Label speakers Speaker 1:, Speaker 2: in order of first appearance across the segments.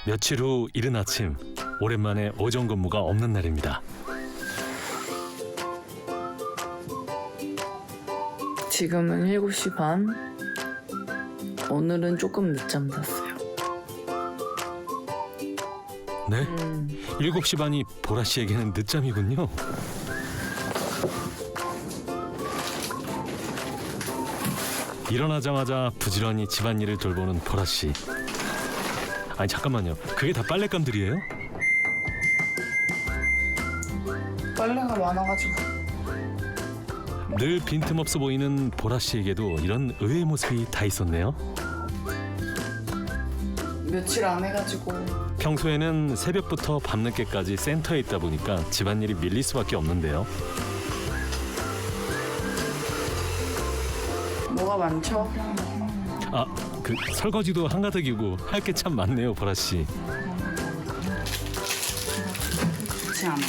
Speaker 1: 며칠 후 이른 아침, 오랜만에 오전 근무가 없는 날입니다.
Speaker 2: 지금은 7시 반. 오늘은 조금 늦잠 잤어요.
Speaker 1: 네? 7시 반이 보라 씨에게는 늦잠이군요. 일어나자마자 부지런히 집안일을 돌보는 보라 씨. 아니 잠깐만요. 그게 다 빨랫감들이에요?
Speaker 2: 빨래가 많아가지고.
Speaker 1: 늘 빈틈없어 보이는 보라 씨에게도 이런 의외의 모습이 다 있었네요.
Speaker 2: 며칠 안 해가지고.
Speaker 1: 평소에는 새벽부터 밤늦게까지 센터에 있다 보니까 집안일이 밀릴 수밖에 없는데요.
Speaker 2: 뭐가 많죠?
Speaker 1: 아, 그 설거지도 한가득이고 할 게 참 많네요, 보라 씨.
Speaker 2: 그렇지 않아.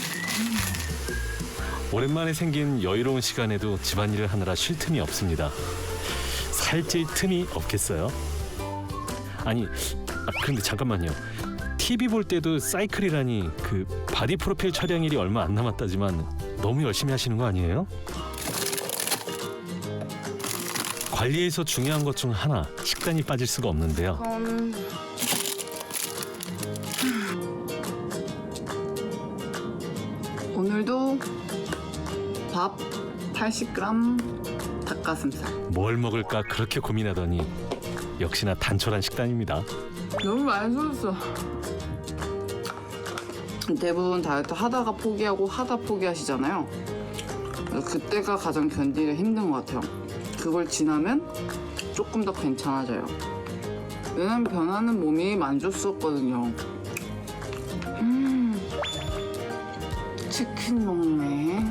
Speaker 1: 오랜만에 생긴 여유로운 시간에도 집안일을 하느라 쉴 틈이 없습니다. 살찔 틈이 없겠어요? 아니, 그런데 잠깐만요. TV 볼 때도 사이클이라니 그 바디 프로필 촬영일이 얼마 안 남았다지만 너무 열심히 하시는 거 아니에요? 관리에서 중요한 것 중 하나, 식단이 빠질 수가 없는데요.
Speaker 2: 오늘도 밥 80g, 닭가슴살.
Speaker 1: 뭘 먹을까 그렇게 고민하더니 역시나 단촐한 식단입니다.
Speaker 2: 너무 많이 쏟았어. 대부분 다이어트 하다가 포기하고 하다 포기하시잖아요. 그때가 가장 견디기가 힘든 것 같아요. 그걸 지나면 조금 더 괜찮아져요. 왜냐면 변하는 몸이 만족스럽거든요. 치킨 먹네.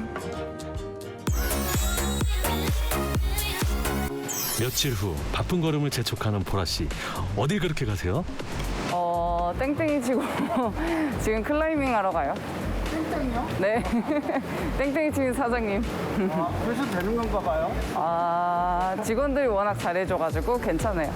Speaker 1: 며칠 후 바쁜 걸음을 재촉하는 보라 씨. 어딜 그렇게 가세요?
Speaker 3: 땡땡이 치고 지금 클라이밍 하러 가요.
Speaker 2: 땡땡이요?
Speaker 3: 네. 땡땡이 치는 사장님.
Speaker 4: 그래서 되는 건가 봐요?
Speaker 3: 직원들이 워낙 잘해줘가지고 괜찮아요.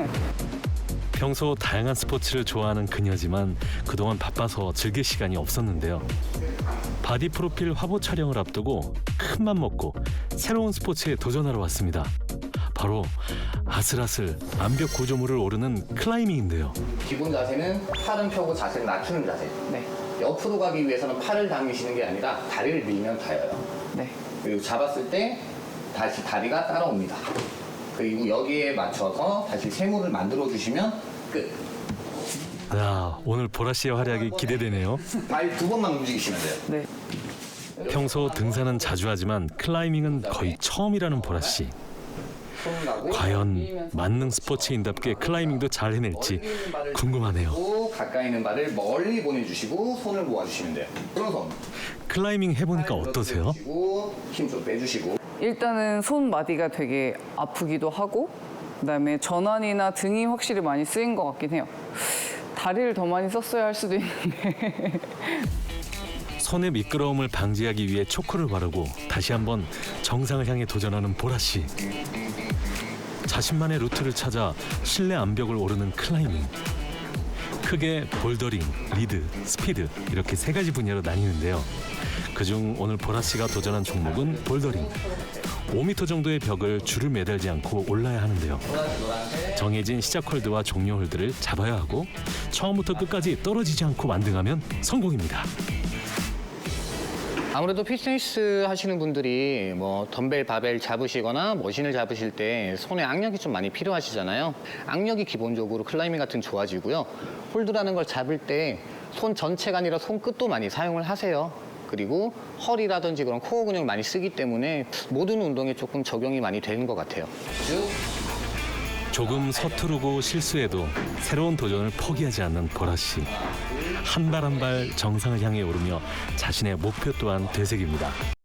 Speaker 1: 평소 다양한 스포츠를 좋아하는 그녀지만 그동안 바빠서 즐길 시간이 없었는데요. 바디 프로필 화보 촬영을 앞두고 큰맘 먹고 새로운 스포츠에 도전하러 왔습니다. 바로 아슬아슬 암벽 구조물을 오르는 클라이밍인데요.
Speaker 5: 기본 자세는 팔은 펴고 자세를 낮추는 자세.
Speaker 3: 네.
Speaker 5: 옆으로 가기 위해서는 팔을 당기시는 게 아니라 다리를 밀면 닿아요.
Speaker 3: 네.
Speaker 5: 그리고 잡았을 때 다시 다리가 따라옵니다. 그리고 여기에 맞춰서 다시 세모를 만들어 주시면 끝.
Speaker 1: 야, 오늘 보라 씨의 활약이 기대되네요.
Speaker 5: 발 두 번만 움직이시면 돼요.
Speaker 3: 네.
Speaker 1: 평소 등산은 자주 하지만 클라이밍은 거의 처음이라는 보라 씨. 과연 만능 스포츠인답게 클라이밍도 잘 해낼지 궁금하네요.
Speaker 5: 가까이 있는 발을 멀리 보내주시고 손을 모아주시면 돼요. 오른손.
Speaker 1: 클라이밍 해보니까 어떠세요?
Speaker 5: 힘 좀 빼주시고.
Speaker 3: 일단은 손 마디가 되게 아프기도 하고 그다음에 전완이나 등이 확실히 많이 쓰인 것 같긴 해요. 다리를 더 많이 썼어야 할 수도 있는데.
Speaker 1: 손의 미끄러움을 방지하기 위해 초크를 바르고 다시 한번 정상을 향해 도전하는 보라 씨. 자신만의 루트를 찾아 실내 암벽을 오르는 클라이밍. 크게 볼더링, 리드, 스피드 이렇게 세 가지 분야로 나뉘는데요. 그중 오늘 보라 씨가 도전한 종목은 볼더링. 5m 정도의 벽을 줄을 매달지 않고 올라야 하는데요. 정해진 시작 홀드와 종료 홀드를 잡아야 하고 처음부터 끝까지 떨어지지 않고 완등하면 성공입니다.
Speaker 5: 아무래도 피트니스 하시는 분들이 뭐 덤벨, 바벨 잡으시거나 머신을 잡으실 때 손에 악력이 좀 많이 필요하시잖아요. 악력이 기본적으로 클라이밍 같은 좋아지고요. 홀드라는 걸 잡을 때 손 전체가 아니라 손끝도 많이 사용을 하세요. 그리고 허리라든지 그런 코어 근육을 많이 쓰기 때문에 모든 운동에 조금 적용이 많이 되는 것 같아요.
Speaker 1: 조금 서투르고 실수해도 새로운 도전을 포기하지 않는 보라 씨. 한 발 한 발 정상을 향해 오르며 자신의 목표 또한 되새깁니다.